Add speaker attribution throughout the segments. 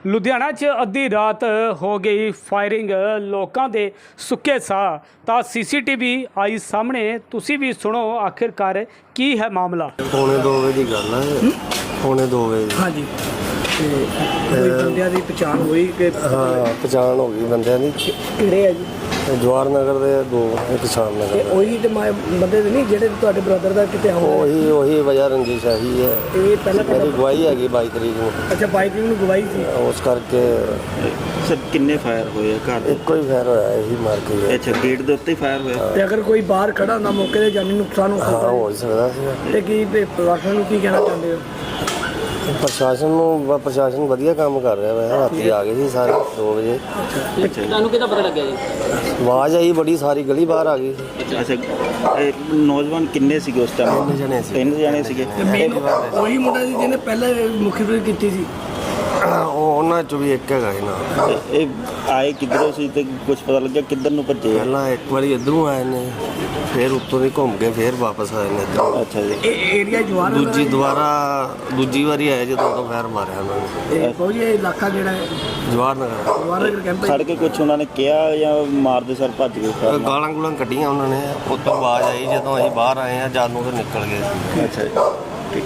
Speaker 1: ਲੁਧਿਆਣਾ 'ਚ ਅੱਧੀ ਰਾਤ ਹੋ ਗਈ ਫਾਇਰਿੰਗ, ਲੋਕਾਂ ਦੇ ਸੁੱਕੇ ਸਾਹ। ਤਾਂ ਸੀਸੀਟੀਵੀ ਆਈ ਸਾਹਮਣੇ, ਤੁਸੀਂ ਵੀ ਸੁਣੋ ਆਖਿਰਕਾਰ ਕੀ ਹੈ ਮਾਮਲਾ।
Speaker 2: ਪੌਣੇ 2 ਵਜੇ ਦੀ ਗੱਲ ਹੈ। ਪੌਣੇ 2 ਵਜੇ ਦੀ।
Speaker 3: ਹਾਂਜੀ ਤੇ ਕੋਈ ਬੰਦਿਆਂ ਦੀ ਪਛਾਣ ਹੋਈ ਕਿ
Speaker 2: ਹਾਂ, ਪਛਾਣ ਹੋ ਗਈ ਬੰਦਿਆਂ ਦੀ।
Speaker 3: ਕਿਹੜੇ ਆ ਜੀ?
Speaker 2: ਜਵਾਹਰ ਨਗਰ ਦੇ ਦੋ, ਇੱਕ ਸ਼ਾਮ
Speaker 3: ਤੇ
Speaker 2: ਨਗਰ।
Speaker 3: ਉਹੀ ਤੇ ਬੰਦੇ ਦੇ ਨਹੀਂ ਜਿਹੜੇ ਤੁਹਾਡੇ ਬ੍ਰਦਰ ਦਾ ਕਿਤੇ ਹੋਇਆ?
Speaker 2: ਉਹੀ ਵਜ੍ਹਾ ਰੰਜਿਸ਼ ਆਹੀ ਹੈ।
Speaker 3: ਇਹ ਪਹਿਲਾਂ
Speaker 2: ਮੇਰੀ ਗਵਾਹੀ ਹੈਗੀ 22 ਤਰੀਕ ਨੂੰ।
Speaker 3: ਅੱਛਾ, 22 ਨੂੰ ਗਵਾਹੀ ਸੀ।
Speaker 2: ਉਸ ਕਰਕੇ
Speaker 4: ਸਰ ਕਿੰਨੇ ਫਾਇਰ ਹੋਏ ਆ ਘਰ ਦੇ?
Speaker 2: ਇੱਕੋ ਹੀ ਫੈਰ ਹੋਇਆ, ਇਹੀ ਮਾਰ ਕੇ ਗਿਆ।
Speaker 4: ਅੱਛਾ, ਗੇਟ ਦੇ ਉੱਤੇ ਹੀ ਫਾਇਰ ਹੋਇਆ।
Speaker 3: ਤੇ ਅਗਰ ਕੋਈ ਬਾਹਰ ਖੜਾ ਹੁੰਦਾ ਮੌਕੇ ਤੇ ਜਾਨੀ ਨੁਕਸਾਨ ਹੋ
Speaker 2: ਹਾਂ,
Speaker 3: ਸਕਦਾ
Speaker 2: ਹੋ ਹੀ ਸਕਦਾ ਸੀ।
Speaker 3: ਤੇ ਕੀ ਪ੍ਰਸ਼ਾਸਨ ਨੂੰ ਕੀ ਕਹਿਣਾ ਚਾਹੁੰਦੇ ਹੋ?
Speaker 2: ਪ੍ਰਸ਼ਾਸਨ ਵਧੀਆ ਕੰਮ ਕਰ ਰਿਹਾ ਵੈਸੇ। ਰਾਤੀ ਆ ਗਏ ਸੀ ਸਾਰੇ 2 ਵਜੇ।
Speaker 5: ਤੁਹਾਨੂੰ ਕਿਹਦਾ ਪਤਾ ਲੱਗਿਆ ਜੀ?
Speaker 2: ਆਵਾਜ਼ ਆਈ ਬੜੀ, ਸਾਰੀ ਗਲੀ ਬਾਹਰ ਆ ਗਈ ਸੀ।
Speaker 4: ਅੱਛਾ, ਇਹ ਨੌਜਵਾਨ ਕਿੰਨੇ ਸੀਗੇ ਉਸ ਟਾਈਮ?
Speaker 2: 3 ਜਣੇ ਸੀ।
Speaker 4: 3 ਜਣੇ ਸੀਗੇ।
Speaker 3: ਉਹੀ ਮੁੰਡਾ ਸੀ ਜਿਹਨੇ ਪਹਿਲਾਂ ਮੁਖਬਰੀ ਕੀਤੀ ਸੀ।
Speaker 2: ਉਹਨਾਂ ਚੋਂ ਵੀ ਇੱਕ ਹੈਗਾ ਸੀ ਨਾ।
Speaker 4: ਇਹ ਆਏ ਕਿੱਧਰੋਂ ਸੀ ਤੇ ਕੁਝ ਪਤਾ ਲੱਗਿਆ ਕਿੱਧਰ ਨੂੰ ਭੱਜੇ?
Speaker 2: ਪਹਿਲਾਂ ਇੱਕ ਵਾਰੀ ਇੱਧਰੋਂ ਆਏ ਨੇ, ਫਿਰ ਉੱਤੋਂ ਦੀ ਘੁੰਮ ਕੇ ਫਿਰ ਵਾਪਸ ਆਏ ਨੇ ਇੱਧਰ।
Speaker 4: ਅੱਛਾ ਜੀ।
Speaker 3: ਇਹ ਏਰੀਆ ਜਵਾਰ
Speaker 2: ਦੂਜੀ ਵਾਰੀ ਆਏ ਜਦੋਂ ਉਦੋਂ ਫੈਰ ਮਾਰਿਆ ਉਹਨਾਂ ਨੇ।
Speaker 3: ਕੋਈ ਇਹ ਇਲਾਕਾ ਜਿਹੜਾ ਹੈ
Speaker 2: ਜਵਾਹਰ ਨਗਰ।
Speaker 3: ਜਵਾਰ ਨਗਰ ਕੈਂਪ
Speaker 4: ਸੜ ਕੇ ਕੁਝ ਉਹਨਾਂ ਨੇ ਕਿਹਾ ਜਾਂ ਮਾਰਦੇ ਸਰ ਭੱਜ ਗਏ?
Speaker 2: ਗਾਲਾਂ ਗੁਲਾਂ ਕੱਢੀਆਂ ਉਹਨਾਂ ਨੇ। ਉੱਤੋਂ ਆਵਾਜ਼ ਆਈ ਜਦੋਂ ਅਸੀਂ ਬਾਹਰ ਆਏ ਆ, ਜਦ ਨੂੰ ਤੇ ਨਿਕਲ ਗਏ ਸੀ।
Speaker 4: ਅੱਛਾ ਜੀ।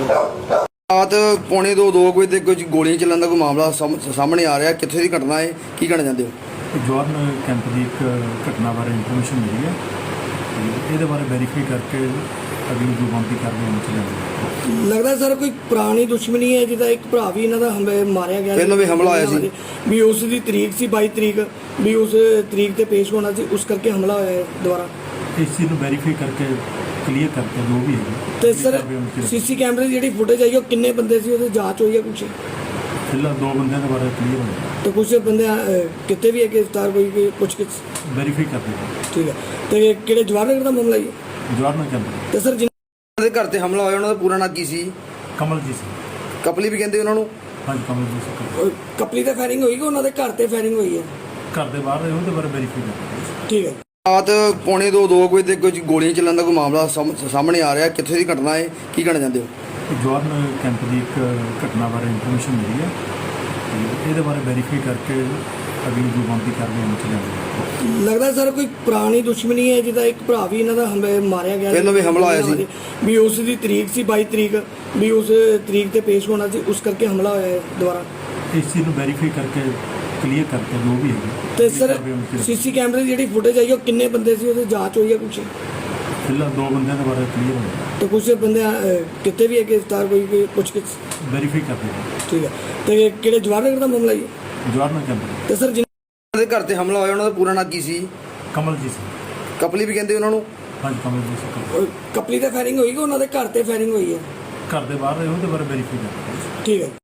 Speaker 6: ਰਾਤ ਪੌਣੇ 2 ਵਜੇ ਤੇ ਕੁਝ ਗੋਲੀਆਂ ਚੱਲਣ ਦਾ ਕੋਈ ਮਾਮਲਾ ਸਾਹਮਣੇ ਆ ਰਿਹਾ। ਕਿੱਥੇ ਦੀ ਘਟਨਾ ਹੈ, ਕੀ ਕਹਿਣਾ ਚਾਹੁੰਦੇ ਹੋ?
Speaker 7: ਜਵਾਹਰ ਨਗਰ ਕੈਂਪ ਦੀ ਇੱਕ ਘਟਨਾ ਬਾਰੇ ਇਨਫੋਰਮੇਸ਼ਨ ਮਿਲੀ ਹੈ ਤੇ ਇਹਦੇ ਬਾਰੇ ਵੈਰੀਫਾਈ ਕਰਕੇ ਅਗਲੀ ਜੋ ਬੰਦੀ ਕਰਦੇ ਹਾਂ ਚਲਾਂਗੇ।
Speaker 3: ਲੱਗਦਾ ਸਰ ਕੋਈ ਪੁਰਾਣੀ ਦੁਸ਼ਮਣੀ ਹੈ, ਜਿਹਦਾ ਇੱਕ ਭਰਾ ਵੀ ਇਹਨਾਂ ਦਾ ਮਾਰਿਆ ਗਿਆ
Speaker 6: ਪਹਿਲਾਂ ਵੀ ਹਮਲਾ ਹੋਇਆ ਸੀ।
Speaker 3: ਵੀ ਉਸ ਦੀ ਤਰੀਕ ਸੀ 22 ਤਰੀਕ, ਵੀ ਉਸ ਤਰੀਕ ਤੇ ਪੇਸ਼ ਹੋਣਾ ਸੀ, ਉਸ ਕਰਕੇ ਹਮਲਾ ਹੋਇਆ ਹੈ ਦੁਬਾਰਾ।
Speaker 7: ਇਸ ਚੀਜ਼ ਨੂੰ ਵੈਰੀਫਾਈ ਕਰਕੇ ਕਲੀਅਰ ਕਰਕੇ ਜੋ ਵੀ ਹੈ।
Speaker 3: ਤੇ ਸਰ ਸੀਸੀ ਕੈਮਰੇ ਦੀ ਜਿਹੜੀ ਫੁਟੇਜ ਆਈ ਉਹ ਕਿੰਨੇ ਬੰਦੇ ਸੀ, ਉਹਦੀ ਜਾਂਚ ਹੋਈ ਹੈ ਕੁਛ?
Speaker 7: ਫਿਲਹਾਲ 2 ਬੰਦਿਆਂ ਦੇ ਬਾਰੇ ਕਲੀਅਰ ਹੋਇਆ।
Speaker 3: ਤੇ ਕੁਛ ਬੰਦੇ ਕਿਤੇ ਵੀ ਹੈ ਗ੍ਰਿਫਤਾਰ ਕੋਈ ਕੁਛ
Speaker 7: ਵੈਰੀਫਾਈ ਕਰਦੇ ਹਾਂ।
Speaker 3: ਠੀਕ ਹੈ। ਤੇ ਕਿਹੜੇ ਜਵਾਹਰ ਨਗਰ ਦਾ ਮਾਮਲਾ ਹੈ?
Speaker 7: ਜਵਾਹਰ ਨਗਰ ਕੈਂਪ
Speaker 3: ਤੇ ਸਰ
Speaker 6: ਉਹਨਾਂ ਦੇ ਘਰ ਤੇ ਹਮਲਾ ਹੋਇਆ, ਉਹਨਾਂ ਦਾ ਪੂਰਾ ਨਾਂ ਕੀ ਸੀ?
Speaker 7: ਕਮਲਜੀਤ ਸਿੰਘ।
Speaker 6: ਕਪਲੀ ਵੀ ਕਹਿੰਦੇ ਉਹਨਾਂ ਨੂੰ।
Speaker 7: ਹਾਂਜੀ, ਕਮਲਜੀਤ ਸਿੰਘ।
Speaker 3: ਕਪਲੀ ਤੇ ਫਾਇਰਿੰਗ ਹੋਈ ਕਿ ਉਹਨਾਂ ਦੇ ਘਰ ਤੇ ਫਾਇਰਿੰਗ ਹੋਈ ਹੈ?
Speaker 7: ਘਰ ਦੇ ਬਾਹਰ ਰਹੇ ਉਹਦੇ ਬਾਰੇ ਵੈਰੀਫਾਈ ਕਰਦੇ।
Speaker 3: ਠੀਕ ਹੈ।
Speaker 6: ਰਾਤ ਪੌਣੇ 2 ਵਜੇ ਤੇ ਕੁਝ ਗੋਲੀਆਂ ਚੱਲਣ ਦਾ ਕੋਈ ਮਾਮਲਾ ਸਾਹਮਣੇ ਆ ਰਿਹਾ। ਕਿੱਥੇ ਦੀ ਘਟਨਾ ਹੈ, ਕੀ ਕਹਿਣਾ ਚਾਹੁੰਦੇ ਹੋ?
Speaker 7: ਜਵਾਹਰ ਨਗਰ ਕੈਂਪ ਦੀ ਇੱਕ ਘਟਨਾ ਬਾਰੇ ਇਨਫੋਰਮੇਸ਼ਨ ਮਿਲੀ ਹੈ ਤੇ ਇਹਦੇ ਬਾਰੇ ਵੈਰੀਫਾਈ ਕਰਕੇ ਅਗਲੀ ਜੋ ਬੰਦੀ ਕਰਦੇ ਹਾਂ ਚਲਾਂਗੇ।
Speaker 3: ਲੱਗਦਾ ਸਰ ਕੋਈ ਪੁਰਾਣੀ ਦੁਸ਼ਮਣੀ ਹੈ, ਜਿਹਦਾ ਇੱਕ ਭਰਾ ਵੀ ਇਹਨਾਂ ਦਾ ਮਾਰਿਆ ਗਿਆ
Speaker 6: ਪਹਿਲਾਂ ਵੀ ਹਮਲਾ ਹੋਇਆ ਸੀ।
Speaker 3: ਵੀ ਉਸ ਦੀ ਤਰੀਕ ਸੀ 22 ਤਰੀਕ, ਵੀ ਉਸ ਤਰੀਕ ਤੇ ਪੇਸ਼ ਹੋਣਾ ਸੀ, ਉਸ ਕਰਕੇ ਹਮਲਾ ਹੋਇਆ ਹੈ ਦੁਬਾਰਾ।
Speaker 7: ਇਸ ਚੀਜ਼ ਨੂੰ ਵੈਰੀਫਾਈ ਕਰਕੇ ਕਲੀਅਰ ਕਰਕੇ ਜੋ ਵੀ ਹੈ।
Speaker 3: ਤੇ ਸਰ ਸੀਸੀ ਕੈਮਰੇ ਦੀ ਜਿਹੜੀ ਫੁਟੇਜ ਆਈ ਉਹ ਕਿੰਨੇ ਬੰਦੇ ਸੀ, ਉਹਦੀ ਜਾਂਚ ਹੋਈ ਹੈ ਕੁਛ?
Speaker 7: ਫਿਲਹਾਲ 2 ਬੰਦਿਆਂ ਦੇ ਬਾਰੇ ਕਲੀਅਰ ਹੋਇਆ।
Speaker 3: ਤੇ ਕੁਛ ਬੰਦੇ ਕਿਤੇ ਵੀ ਹੈ ਗ੍ਰਿਫਤਾਰ ਕੋਈ ਕੁਛ?
Speaker 7: ਵੈਰੀਫਾਈ ਕਰਦੇ ਹਾਂ।
Speaker 3: ਠੀਕ ਹੈ। ਤੇ ਕਿਹੜੇ ਜਵਾਹਰ ਨਗਰ ਦਾ ਮਾਮਲਾ ਹੈ?
Speaker 7: ਜਵਾਹਰ ਨਗਰ ਕੈਂਪ।
Speaker 3: ਤੇ ਸਰ
Speaker 6: ਉਹਨਾਂ ਦੇ ਘਰ ਤੇ ਹਮਲਾ ਹੋਇਆ, ਉਹਨਾਂ ਦਾ ਪੂਰਾ ਨਾਂ ਕੀ ਸੀ?
Speaker 7: ਕਮਲਜੀਤ ਸਿੰਘ।
Speaker 6: ਕਪਲੀ ਵੀ ਕਹਿੰਦੇ ਉਹਨਾਂ ਨੂੰ।
Speaker 7: ਹਾਂਜੀ, ਕਮਲਜੀਤ ਸਿੰਘ।
Speaker 3: ਕਪਲੀ ਤੇ ਫਾਇਰਿੰਗ ਹੋਈ ਕਿ ਉਹਨਾਂ ਦੇ ਘਰ ਤੇ ਫਾਇਰਿੰਗ ਹੋਈ ਹੈ?
Speaker 7: ਘਰ ਦੇ ਬਾਹਰ ਰਹੇ ਉਹਦੇ ਬਾਰੇ ਵੈਰੀਫਾਈ ਕਰਦੇ।
Speaker 3: ਠੀਕ ਹੈ।